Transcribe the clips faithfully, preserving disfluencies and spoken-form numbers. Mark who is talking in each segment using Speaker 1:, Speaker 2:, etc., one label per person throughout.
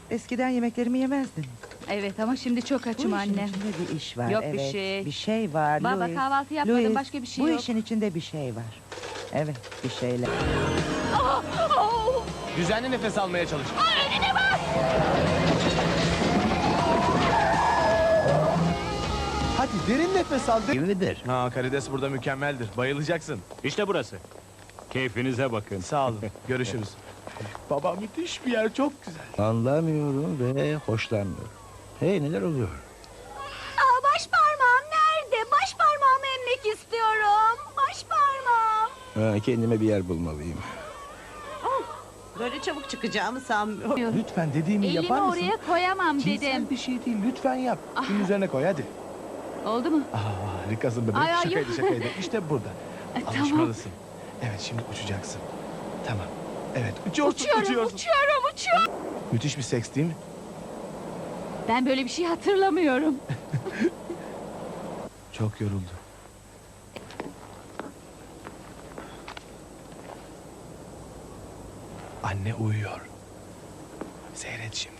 Speaker 1: Eskiden yemeklerimi yemezdin.
Speaker 2: Evet ama şimdi çok açım
Speaker 1: Bu işin
Speaker 2: anne.
Speaker 1: içinde bir iş var.
Speaker 2: Yok
Speaker 1: evet.
Speaker 2: bir şey.
Speaker 1: Bir şey var
Speaker 2: Baba
Speaker 1: Louis.
Speaker 2: kahvaltı yapmadım,
Speaker 1: Louis,
Speaker 2: başka bir şey
Speaker 1: bu
Speaker 2: yok.
Speaker 1: işin içinde bir şey var. Evet, bir şeyler.
Speaker 3: Düzenli nefes almaya çalış.
Speaker 4: Hadi derin nefes al.
Speaker 5: Değil midir?
Speaker 3: Ha, karides burada mükemmeldir. Bayılacaksın.
Speaker 5: İşte burası. Keyfinize bakın.
Speaker 3: Sağ olun. Görüşürüz.
Speaker 4: Baba müthiş bir yer, çok güzel.
Speaker 5: Anlamıyorum ve hoşlanmıyorum. Hey, neler oluyor?
Speaker 2: Aa, baş parmağım nerede? Baş parmağımı emmek istiyorum. Baş parmağım.
Speaker 5: Ha, kendime bir yer bulmalıyım.
Speaker 6: Böyle çabuk çıkacağımı sanmıyorum.
Speaker 4: Lütfen dediğimi
Speaker 2: Elimi
Speaker 4: yapar mısın?
Speaker 2: oraya koyamam
Speaker 4: Cinsel
Speaker 2: dedim.
Speaker 4: bir şey değil, lütfen yap. Şunun üzerine koy hadi.
Speaker 2: Oldu mu?
Speaker 4: Aa, harikasın bebeğim.
Speaker 2: Ay, ay,
Speaker 4: şakaydı
Speaker 2: yok.
Speaker 4: şakaydı. İşte burada.
Speaker 2: E, tamam.
Speaker 4: Alışmalısın. Evet, şimdi uçacaksın. Tamam. Evet, uçuyorsun,
Speaker 2: Uçuyorum,
Speaker 4: uçuyorsun.
Speaker 2: uçuyorum, uçuyorum.
Speaker 4: Müthiş bir seks değil mi?
Speaker 2: Ben böyle bir şey hatırlamıyorum.
Speaker 4: Çok yoruldu. Anne uyuyor. Seyret şimdi.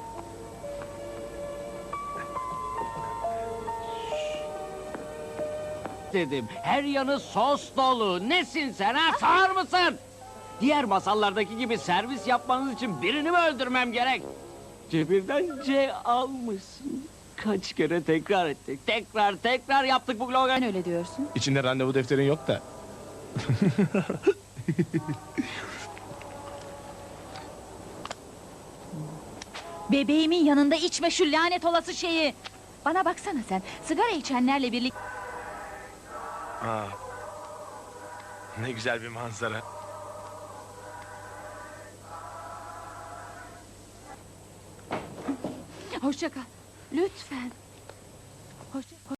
Speaker 7: Dedim. Her yanı sos dolu. Nesin sen ha? Sağır mısın? Diğer masallardaki gibi servis yapmanız için birini mi öldürmem gerek? Cebirden C almışsın. Kaç kere tekrar ettik. Tekrar tekrar yaptık bu slogan.
Speaker 2: Sen öyle diyorsun.
Speaker 3: İçinde randevu defterin yok da.
Speaker 2: Bebeğimin yanında içme şu lanet olası şeyi. Bana baksana sen. Sigara içenlerle birlikte...
Speaker 3: Ha. Ne güzel bir manzara.
Speaker 2: Hoşça kal. Lütfen. Hoşça